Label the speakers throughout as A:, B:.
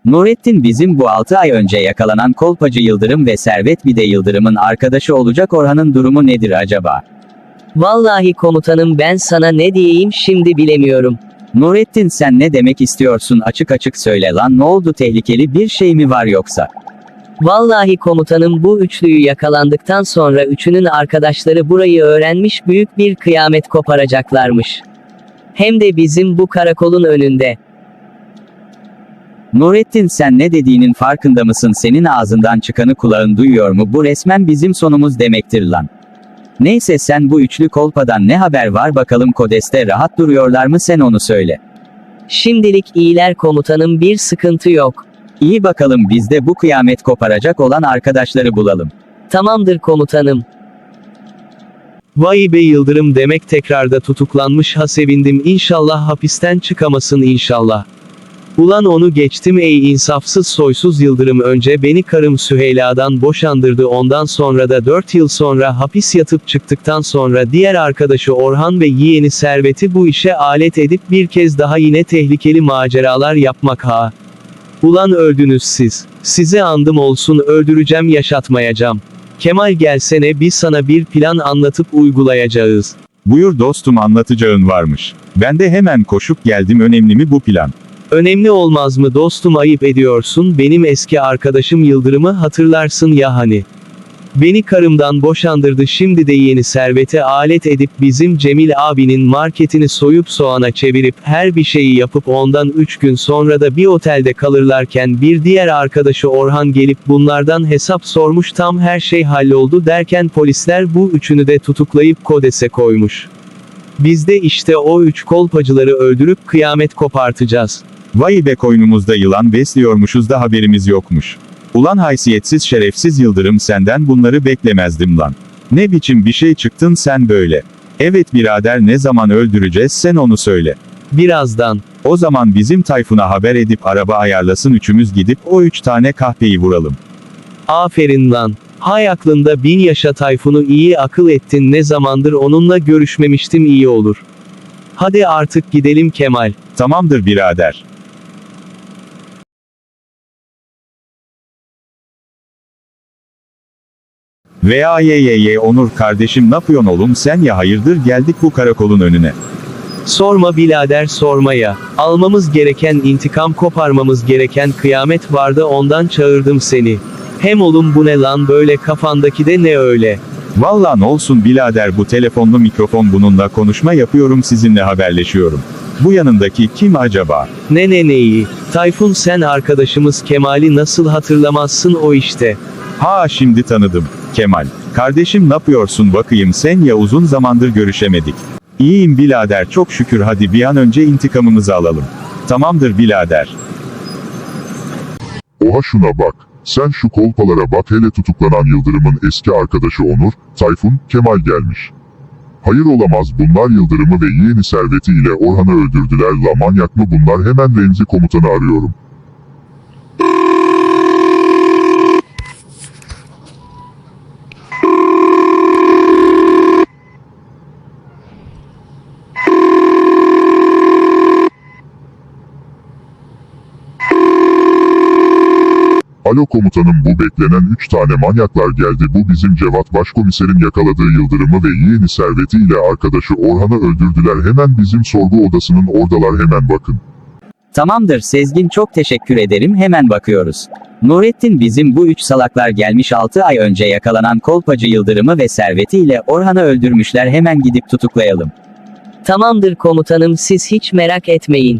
A: Nurettin bizim bu 6 ay önce yakalanan kolpacı Yıldırım ve Servet bir de Yıldırım'ın arkadaşı olacak Orhan'ın durumu nedir acaba?
B: Vallahi komutanım ben sana ne diyeyim şimdi bilemiyorum.
A: Nurettin sen ne demek istiyorsun, açık açık söyle lan, ne oldu, tehlikeli bir şey mi var yoksa?
B: Vallahi komutanım bu üçlüyü yakalandıktan sonra üçünün arkadaşları burayı öğrenmiş, büyük bir kıyamet koparacaklarmış. Hem de bizim bu karakolun önünde.
A: Nurettin sen ne dediğinin farkında mısın, senin ağzından çıkanı kulağın duyuyor mu, bu resmen bizim sonumuz demektir lan. Neyse sen bu üçlü kolpadan ne haber var bakalım, Kodes'te rahat duruyorlar mı, sen onu söyle.
B: Şimdilik iyiler komutanım, bir sıkıntı yok.
A: İyi bakalım, biz de bu kıyamet koparacak olan arkadaşları bulalım.
B: Tamamdır komutanım.
C: Vay be, Yıldırım demek tekrarda tutuklanmış, ha sevindim, inşallah hapisten çıkamasın inşallah. Ulan onu geçtim, ey insafsız soysuz Yıldırım, önce beni karım Süheyla'dan boşandırdı, ondan sonra da 4 yıl sonra hapis yatıp çıktıktan sonra diğer arkadaşı Orhan ve yeğeni Servet'i bu işe alet edip bir kez daha yine tehlikeli maceralar yapmak ha. Ulan öldünüz siz. Size andım olsun, öldüreceğim yaşatmayacağım. Kemal gelsene, biz sana bir plan anlatıp uygulayacağız.
D: Buyur dostum, anlatacağın varmış. Ben de hemen koşup geldim, önemli mi bu plan?
C: Önemli olmaz mı dostum, ayıp ediyorsun, benim eski arkadaşım Yıldırım'ı hatırlarsın ya hani. Beni karımdan boşandırdı, şimdi de yeni Servet'e alet edip bizim Cemil abinin marketini soyup soğana çevirip her bir şeyi yapıp ondan 3 gün sonra da bir otelde kalırlarken bir diğer arkadaşı Orhan gelip bunlardan hesap sormuş, tam her şey halloldu derken polisler bu üçünü de tutuklayıp Kodes'e koymuş. Biz de işte o 3 kolpacıları öldürüp kıyamet kopartacağız.
D: Vay be, koynumuzda yılan besliyormuşuz da haberimiz yokmuş. Ulan haysiyetsiz şerefsiz Yıldırım, senden bunları beklemezdim lan. Ne biçim bir şey çıktın sen böyle. Evet birader, ne zaman öldüreceğiz, sen onu söyle.
C: Birazdan.
D: O zaman bizim Tayfun'a haber edip araba ayarlasın, üçümüz gidip o 3 tane kahpeyi vuralım.
C: Aferin lan. Hay aklında bin yaşa, Tayfun'u iyi akıl ettin, ne zamandır onunla görüşmemiştim, iyi olur. Hadi artık gidelim Kemal.
D: Tamamdır birader. Onur kardeşim, ne yapıyorsun oğlum sen ya, hayırdır geldik bu karakolun önüne.
C: Sorma birader, sorma ya. Almamız gereken intikam, koparmamız gereken kıyamet vardı, ondan çağırdım seni. Hem oğlum bu ne lan böyle, kafandaki de ne öyle?
D: Vallahi ne olsun birader, bu telefonlu mikrofon, bununla konuşma yapıyorum, sizinle haberleşiyorum. Bu yanındaki kim acaba?
C: Neyi? Tayfun, sen arkadaşımız Kemal'i nasıl hatırlamazsın, o işte.
D: Ha, şimdi tanıdım. Kemal. Kardeşim ne yapıyorsun bakayım sen ya, uzun zamandır görüşemedik. İyiyim birader çok şükür, hadi bir an önce intikamımızı alalım. Tamamdır birader.
E: Oha şuna bak. Sen şu kolpalara bak hele, tutuklanan Yıldırım'ın eski arkadaşı Onur, Tayfun, Kemal gelmiş. Hayır olamaz, bunlar Yıldırım'ı ve yeğeni Servet'i ile Orhan'ı öldürdüler la, manyak mı bunlar, hemen Remzi komutanı arıyorum. Alo komutanım, bu beklenen 3 tane manyaklar geldi, bu bizim Cevat başkomiserin yakaladığı Yıldırım'ı ve yeğeni Servet'i ile arkadaşı Orhan'ı öldürdüler, hemen bizim sorgu odasının oradalar, hemen bakın.
A: Tamamdır Sezgin, çok teşekkür ederim, hemen bakıyoruz. Nurettin bizim bu 3 salaklar gelmiş, 6 ay önce yakalanan kolpacı Yıldırım'ı ve Servet'i ile Orhan'ı öldürmüşler, hemen gidip tutuklayalım.
B: Tamamdır komutanım, siz hiç merak etmeyin.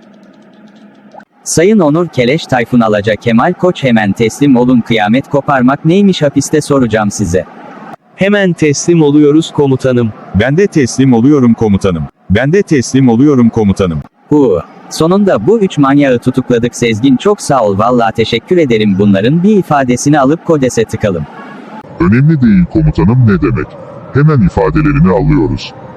A: Sayın Onur Keleş, Tayfun Alaca, Kemal Koç, hemen teslim olun, kıyamet koparmak neymiş hapiste soracağım size.
C: Hemen teslim oluyoruz komutanım.
D: Ben de teslim oluyorum komutanım. Ben de teslim oluyorum komutanım.
A: Sonunda bu 3 manyağı tutukladık Sezgin, çok sağ ol, vallahi teşekkür ederim, bunların bir ifadesini alıp Kodes'e tıkalım.
E: Önemli değil komutanım, ne demek. Hemen ifadelerini alıyoruz.